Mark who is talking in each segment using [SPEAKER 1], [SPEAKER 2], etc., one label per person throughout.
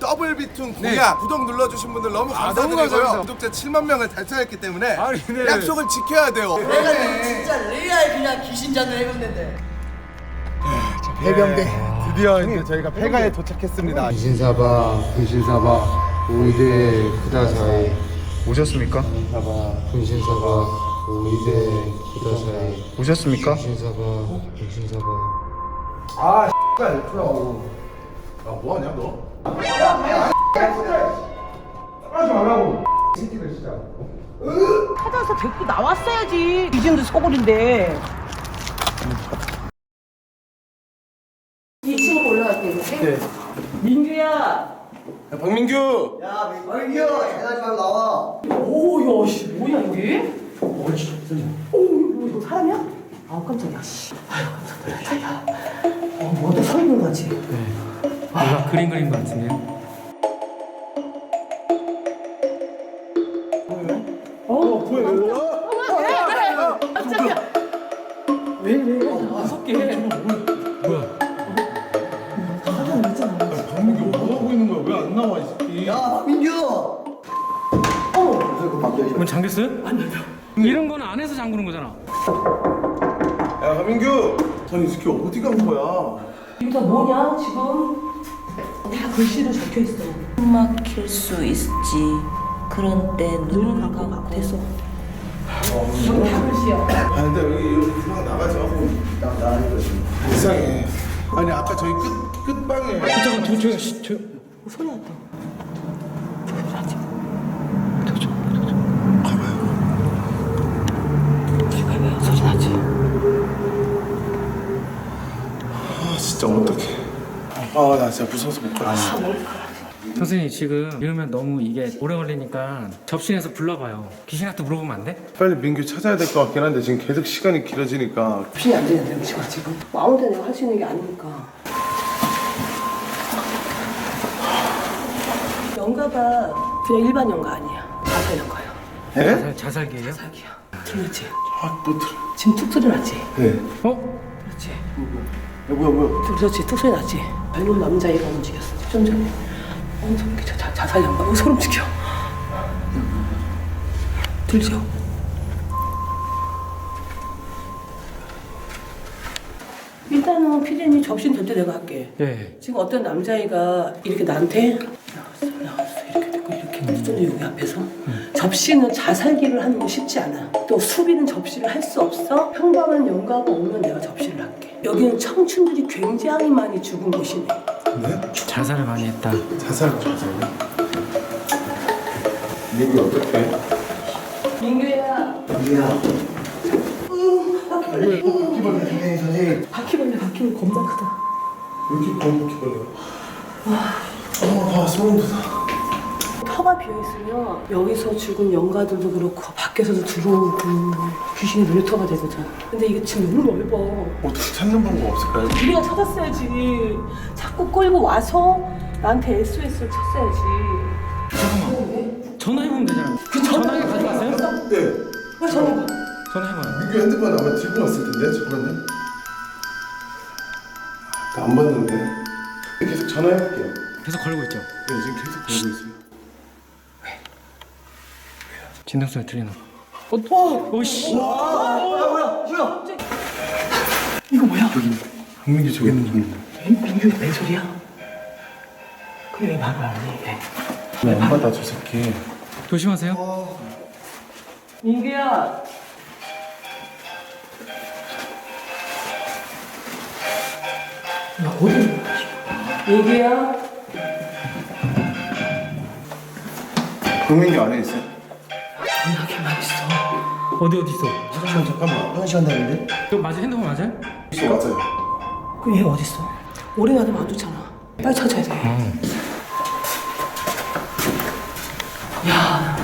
[SPEAKER 1] 더블 비툰 공약 구독 눌러주신 분들 너무 감사드리고요.
[SPEAKER 2] 감사합니다.
[SPEAKER 1] 구독자 7만 명을 달성했기 때문에
[SPEAKER 2] 아니, 네.
[SPEAKER 1] 약속을 지켜야 돼요.
[SPEAKER 3] 내가 진짜 레알 그냥 귀신잔을 해봤는데.
[SPEAKER 1] 해병대 드디어 이제 저희가 폐가에 도착했습니다.
[SPEAKER 4] 분신사바 오이대 쿠다사이
[SPEAKER 2] 오셨습니까?
[SPEAKER 4] 분신사바 오이대 쿠다사이
[SPEAKER 2] 오셨습니까?
[SPEAKER 4] 분신사바
[SPEAKER 1] 아 X가 F라고. 아 뭐하냐 너?
[SPEAKER 5] 찾아서 데리고 나왔어야지. 이진도 서울인데. 2층으로 올라갈게. 네. 민규야.
[SPEAKER 1] 야, 박민규.
[SPEAKER 3] 야, 민규, 장난하지 말고 나와.
[SPEAKER 5] 오, 야, 씨, 뭐야 여기? 오, 이거 사람이야? 아우 깜짝이야. 씨. 아유 깜짝이야. 야, 뭐도 서 있는 거지?
[SPEAKER 6] 뭔가 그림 그린 것 같은데요?
[SPEAKER 5] 왜? 무섭게.
[SPEAKER 6] 뭐야?
[SPEAKER 1] 박민규 뭐 하고 있는 거야? 왜 안 나와 이 새끼?
[SPEAKER 3] 야, 민규.
[SPEAKER 6] 문 잠겼어요? 아니요. 이런 거는 안에서 잠그는 거잖아.
[SPEAKER 1] 야 박민규. 아니 이 새끼 어디 간 거야?
[SPEAKER 5] 이거 다 뭐냐 지금? 다 글씨로 적혀 있어.
[SPEAKER 7] 막힐 수 있지. 그런 때 눈을 감고
[SPEAKER 5] 됐어.
[SPEAKER 7] 어.
[SPEAKER 5] 다 글씨야.
[SPEAKER 1] 아 근데 여기 그만 나가지 마고. 나 이상해. 아니 아까 저희 끝방에.
[SPEAKER 6] 잠깐 저
[SPEAKER 5] 소리 났다. 소리 나지?
[SPEAKER 1] 아 진짜 어떡해. 아 나 진짜 무서워서 못 가겠어.
[SPEAKER 6] 선생님 지금 이러면 너무 이게 오래 걸리니까 접신해서 불러봐요. 귀신한테 물어보면 안 돼?
[SPEAKER 1] 빨리 민규 찾아야 될 것 같긴 한데 지금 계속 시간이 길어지니까.
[SPEAKER 5] 없이 안 되는데 음식은 지금 뭐 아무 데나 할 수 있는 게 아니니까. 연가가 그냥 일반 연가 아니야. 자살 연가야.
[SPEAKER 1] 예?
[SPEAKER 6] 자살기예요?
[SPEAKER 5] 자기야. 들렸지?
[SPEAKER 1] 아뭐 들어.
[SPEAKER 5] 지금 툭 소리 났지?
[SPEAKER 1] 네.
[SPEAKER 6] 어?
[SPEAKER 5] 그렇지.
[SPEAKER 1] 야 뭐야.
[SPEAKER 5] 그렇지. 툭 소리 났지? 젊은 남자애가 움직였어. 좀 전에. 소름 끼쳐. 자살 연가. 소름 끼쳐. 들죠? 일단은 피디님 접신 될 때 내가 할게.
[SPEAKER 6] 예.
[SPEAKER 5] 지금 어떤 남자애가 이렇게 나한테 나왔어 이렇게 됐고 이렇게 했는데 여기 앞에서 접시는 자살기를 하는 거 쉽지 않아. 또 수비는 접시를 할 수 없어. 평범한 연가가 오면 내가 접시를 할게. 여기는 청춘들이 굉장히 많이 죽은 곳이네.
[SPEAKER 1] 네?
[SPEAKER 6] 자살을 많이 했다.
[SPEAKER 1] 자살. 민규 어떡해?
[SPEAKER 5] 민규야.
[SPEAKER 3] 민규야. 바퀴벌레 선생님.
[SPEAKER 5] 바퀴벌레 겁나 크다.
[SPEAKER 1] 왜 이렇게 바퀴벌레야? 아 소름 돋아.
[SPEAKER 5] 터가 비어있으면 여기서 죽은 연가들도 그렇고 밖에서도 들어오는 귀신이 놀이터가 되거든. 근데 이게 지금 너무 넓어.
[SPEAKER 1] 어떻게 찾는 방법 없을까요?
[SPEAKER 5] 우리가 찾았어야지. 자꾸 끌고 와서 나한테 SOS를 쳤어야지.
[SPEAKER 6] 잠깐만. 전화해보면 되잖아. 전화기 가져왔어요?
[SPEAKER 1] 네.
[SPEAKER 5] 왜 전화가?
[SPEAKER 6] 전화해봐요.
[SPEAKER 1] 민규 핸드폰 아마 들고 왔을 텐데 잠깐만요. 나 안 받는데. 계속 전화해볼게요.
[SPEAKER 6] 계속 걸고 있죠?
[SPEAKER 1] 네 지금 계속 걸고 있어요.
[SPEAKER 6] 진동 소리 들리나? 오씨.
[SPEAKER 5] 이거 뭐야?
[SPEAKER 1] 박민규 저기 있는.
[SPEAKER 5] 민규가 내 소리야? 그래 왜 말을 안 해?
[SPEAKER 1] 안 받아 저 새끼.
[SPEAKER 6] 조심하세요.
[SPEAKER 5] 민규야. 야 어디 있는 거야 지금? 민규야.
[SPEAKER 1] 박민규 안에 있어요?
[SPEAKER 5] 전화기만 있어.
[SPEAKER 6] 어디 있어?
[SPEAKER 1] 잠깐만.
[SPEAKER 3] 화장실 간다는데?
[SPEAKER 6] 이거 맞아? 핸드폰 맞아요?
[SPEAKER 1] 맞아요.
[SPEAKER 5] 그럼 얘가 어디 있어? 오래 놔두면 안 좋잖아. 빨리 찾아야 돼. 야.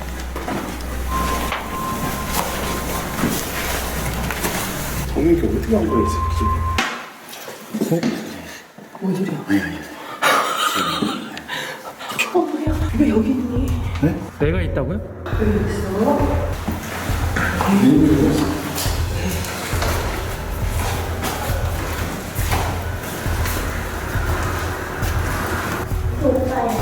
[SPEAKER 1] 박민규 어떻게 한 거야 이 새끼.
[SPEAKER 5] 뭔 소리야? 뭐야? 왜 여기 있니?
[SPEAKER 6] 내가 있다고요?
[SPEAKER 5] 여기 있어? 오빠야.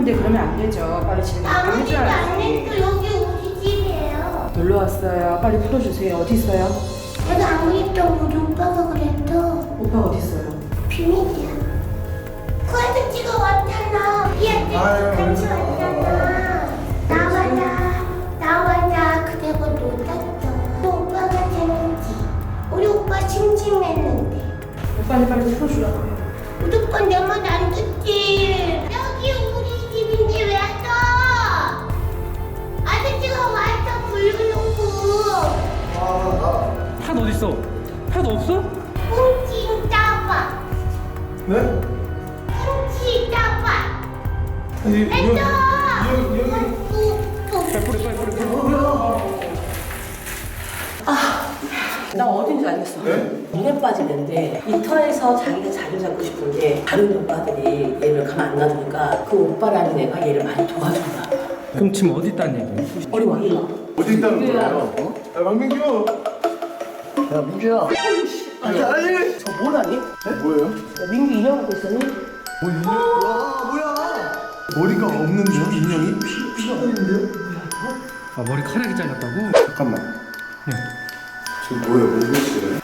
[SPEAKER 2] 왔는데 그러면 안 되죠. 빨리 집에 가면
[SPEAKER 8] 아무 집도 안
[SPEAKER 2] 해줘야지.
[SPEAKER 8] 했어. 여기 우리 집이에요.
[SPEAKER 2] 놀러 왔어요. 빨리 풀어주세요. 어디 있어요?
[SPEAKER 8] 내가 아무리도 우리 오빠가 그랬어.
[SPEAKER 2] 오빠 어디 있어요?
[SPEAKER 8] 비밀이야. 그 아저씨가 왔잖아. 이 아저씨 같이 왔잖아. 나와라. 그리고 놀았어. 또 오빠가 재밌지. 우리 오빠 심심했는데.
[SPEAKER 2] 오빠는 빨리 풀어주라고요.
[SPEAKER 8] 우리 오빠 내 말 안 듣지. 여기 우리 집인데 왜 또? 아저씨가 왔어 불러놓고.
[SPEAKER 6] 팥 어딨어? 팥 없어?
[SPEAKER 8] 꽁치 따봐.
[SPEAKER 1] 네?
[SPEAKER 8] 꽁치 따봐.
[SPEAKER 1] 아니
[SPEAKER 8] 했어.
[SPEAKER 1] 여기
[SPEAKER 5] 나 어딘지 알겠어. 물에 빠지는데 이터에서 자기가 자리를 잡고 싶은데 다른 오빠들이 얘를 가만 안 놔두니까 그 오빠라는 애가 얘를 많이 도와준다.
[SPEAKER 6] 그럼 지금 어디 있다는 얘기야?
[SPEAKER 5] 어디 와 이리 와.
[SPEAKER 1] 어디 있다는 거야? 야 박민규.
[SPEAKER 5] 야 민규야.
[SPEAKER 1] 아니.
[SPEAKER 5] 저 뭐라니?
[SPEAKER 1] 뭐예요?
[SPEAKER 5] 야, 민규 인형하고 있었니?
[SPEAKER 1] 뭐 인형? 와 뭐야? 머리가 없는데요 인형이? 피가 없는데요?
[SPEAKER 6] 아 머리카락이 잘렸다고?
[SPEAKER 1] 잠깐만. 지금 뭐예요? 뭐 보시래요?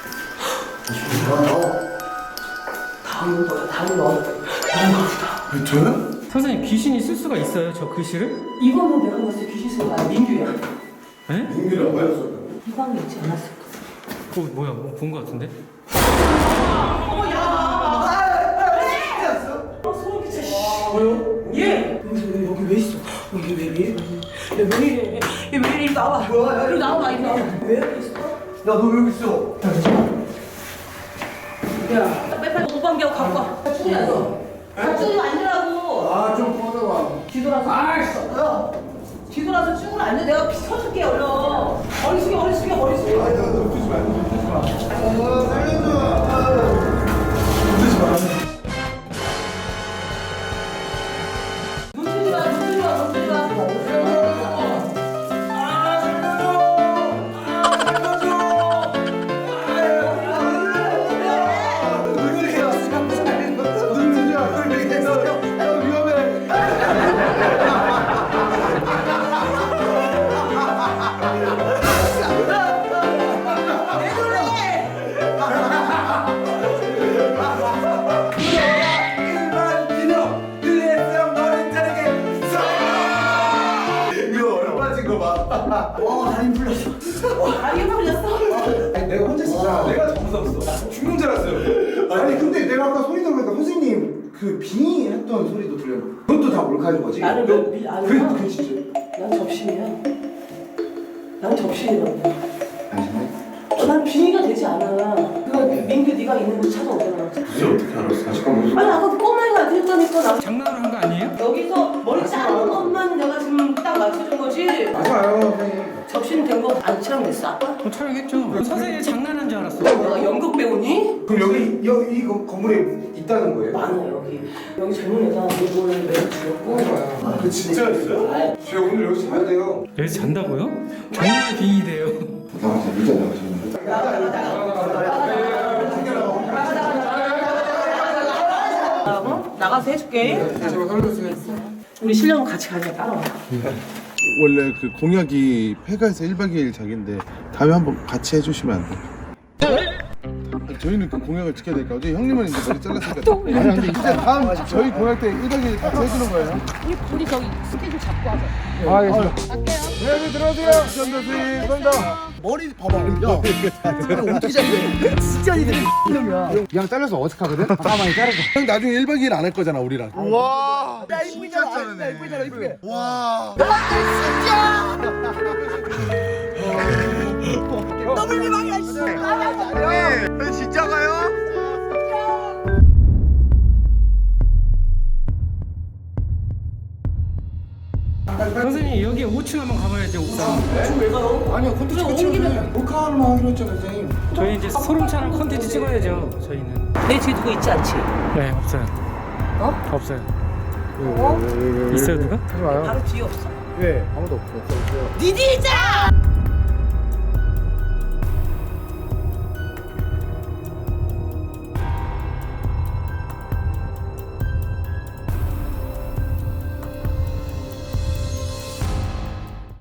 [SPEAKER 5] 다음 거야 다음 거.
[SPEAKER 1] 왜 저요?
[SPEAKER 6] 선생님 귀신이 쓸 수가 있어요 저 글씨를?
[SPEAKER 5] 이거는 내가 봤을 때 귀신 소리가 민규야.
[SPEAKER 6] 에?
[SPEAKER 1] 민규라고 하였어.
[SPEAKER 5] 이 방에 있지 않았을까?
[SPEAKER 6] 뭐야 뭐 본 거 같은데?
[SPEAKER 5] 얘! 여기 왜 있어? 여기 왜 이래? 얘왜 이래? 얘왜 이래? 나와. 뭐야? 이리 나와. 이리 나와. 왜 여기 있어?
[SPEAKER 1] 야 너 왜 여기 있어?
[SPEAKER 5] 야, 빨리 오방개하고 갖고 와. 충이야 너. 충이 앉으라고.
[SPEAKER 1] 아좀 꺼내봐.
[SPEAKER 5] 뒤돌아서. 야, 뒤돌아서 쭉으로 앉아. 내가 피 쳐줄게 얼른. 머리 숙여, 머리 숙여, 머리 숙여.
[SPEAKER 1] 아니 너 눕히지 마. 눕히지 마. 살려줘. 눕히지 마.
[SPEAKER 5] 눈 뜨지 마, 눈 뜨지 마, 눈 뜨지 마. 다리 풀렸어?
[SPEAKER 1] 아니 내가 혼자 있었잖아. 내가 정신없어. 죽는 줄 알았어요. 아니 근데 내가 아까 소리 들으니까 선생님 그 빙의 했던 소리도 들려요. 그것도 다 몰카인 거지?
[SPEAKER 5] 나는 아니야.
[SPEAKER 1] 그 진짜.
[SPEAKER 5] 난 접신이야. 난 접신이라고.
[SPEAKER 1] 아니네.
[SPEAKER 5] 난 빙의가 되지 않아. 그거 민규 네가 있는 곳 찾아오잖아.
[SPEAKER 1] 진짜 어떻게 알았어? 잠깐 무슨?
[SPEAKER 5] 아니 아까 꼬마이가 그랬다니까 나
[SPEAKER 6] 장난으로 한 거 아니에요?
[SPEAKER 5] 여기서 머리 자른 것만 내가 지금 딱 맞춰준 거지.
[SPEAKER 1] 맞아요 선생님.
[SPEAKER 5] 접신 된 거 안 촬영됐어 아빠?
[SPEAKER 6] 촬영했죠. 선생님 장난한 줄 알았어.
[SPEAKER 5] 내가 연극 배우니?
[SPEAKER 1] 그럼 여기 이 건물에 있다는 거예요?
[SPEAKER 5] 많아 여기 젊은 애가 이걸 매일 죽였고.
[SPEAKER 1] 아, 그 진짜였어요? 제가 오늘 여기서 자야 돼요.
[SPEAKER 6] 여기서 잔다고요? 정말 빙의돼요.
[SPEAKER 1] 나가자 일단 나가시면.
[SPEAKER 5] 나가서 해줄게.
[SPEAKER 1] 제가 살려주세요.
[SPEAKER 5] 우리 신랑은 같이 가자 따라와.
[SPEAKER 9] 원래 그 공약이 폐가에서 1박 2일 자기인데 다음에 한번 같이 해주시면 안 돼요? 저희는 그 공약을 지켜야 되니까 어제 형님은 이제 머리 잘랐으니까 아니 근데 이제 다음 저희 공약 때 1박 2일 같이 해주는 거예요.
[SPEAKER 5] 우리 저기 스케줄 잡고 하자.
[SPEAKER 9] 알겠습니다. 네, 들어오세요. 감사합니다. 감사합니다.
[SPEAKER 3] 머리 봐봐. 야, 어떻게 잡냐? 진짜 이게 놈이야.
[SPEAKER 9] 그냥 잘라서 어색하거든? 가만히 자르자. 형 나중에 1박 2일 안 할 거잖아 우리랑.
[SPEAKER 3] 와, 야 이쁘잖아. 이쁘잖아, 이쁘게.
[SPEAKER 9] 와.
[SPEAKER 3] 더블 미망이야, 씨.
[SPEAKER 9] 진짜 가요?
[SPEAKER 6] 선생님 여기 5층 한번 가봐야죠 옥상.
[SPEAKER 5] 지금 왜 가요?
[SPEAKER 1] 아니요 콘텐츠 끝이면 몰카만 하기로 했잖아요 선생님.
[SPEAKER 6] 저희 이제 소름차는 컨텐츠 찍어야죠 저희는.
[SPEAKER 5] 내 뒤에 누구 있지 않지?
[SPEAKER 6] 네 없어요.
[SPEAKER 5] 어?
[SPEAKER 6] 없어요.
[SPEAKER 9] 왜?
[SPEAKER 6] 있어요 누가?
[SPEAKER 9] 하지 마요.
[SPEAKER 5] 바로 뒤에 없어.
[SPEAKER 9] 왜? 아무도 없어.
[SPEAKER 5] 니 뒤에 있잖아!